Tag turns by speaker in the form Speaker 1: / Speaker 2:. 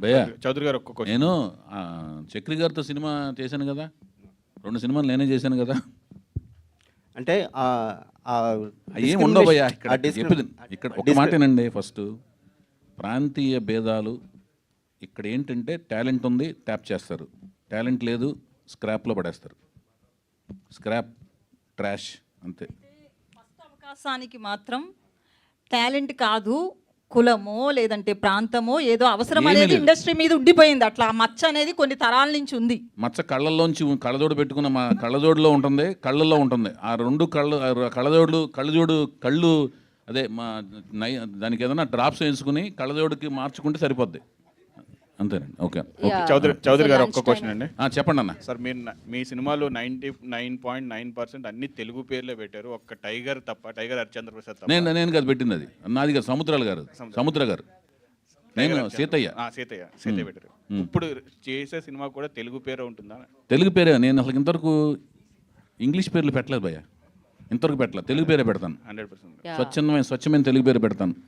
Speaker 1: భయ్యా
Speaker 2: చౌదరి గారు ఒక్క క్వశ్చన్.
Speaker 1: నేను చక్రి గారితో సినిమా చేశాను కదా, 2 సినిమాలు నేనే చేశాను కదా.
Speaker 3: అంటే
Speaker 1: ఏం ఉండవు భయ్యా ఇక్కడ చెప్పేది. ఇక్కడ ఒక మాటేనండి, ఫస్ట్ ప్రాంతీయ భేదాలు. ఇక్కడ ఏంటంటే టాలెంట్ ఉంది ట్యాప్ చేస్తారు, టాలెంట్ లేదు స్క్రాప్లో పడేస్తారు. స్క్రాప్ ట్రాష్ అంతే.
Speaker 4: ఫస్ట్ అవకాశానికి మాత్రం టాలెంట్ కాదు, కులమో లేదంటే ప్రాంతమో ఏదో అవసరం
Speaker 1: ఏమీ
Speaker 4: అనేది
Speaker 1: లేదు.
Speaker 4: ఇండస్ట్రీ మీద ఉండిపోయింది. అట్లా ఆ మచ్చ అనేది కొన్ని తరాల నుంచి ఉంది.
Speaker 1: మచ్చ కళ్ళల్లోంచి కళ్ళజోడు పెట్టుకున్న మా కళ్ళజోడులో ఉంటుంది, కళ్ళల్లో ఉంటుంది. ఆ 2 కళ్ళు అదే మా దానికి ఏదైనా డ్రాప్స్ వేసుకుని కళ్ళజోడుకి మార్చుకుంటే సరిపోద్ది, అంతేనండి. ఓకే
Speaker 2: చౌదరి గారు ఒక్క క్వశ్చన్ అండి.
Speaker 1: చెప్పండి అన్న.
Speaker 2: సార్ మీరు మీ సినిమాలో 99.9% అన్ని తెలుగు పేర్లే పెట్టారు, ఒక్క టైగర్ తప్ప, టైగర్ హరిశ్చంద్ర ప్రసాద్ తప్ప.
Speaker 1: నేను కాదు పెట్టింది, అది నాది కాదు, సముద్ర గారు. నేను సీతయ్య
Speaker 2: పెట్టారు. ఇప్పుడు చేసే సినిమా కూడా తెలుగు పేరే ఉంటుందా?
Speaker 1: తెలుగు పేరే. నేను అసలు ఇంతవరకు ఇంగ్లీష్ పేర్లు పెట్టలేదు భయ్య, ఇంతవరకు పెట్టలేదు. తెలుగు పేరే పెడతాను.
Speaker 2: 100%.
Speaker 1: స్వచ్ఛమైన తెలుగు పేరు పెడతాను.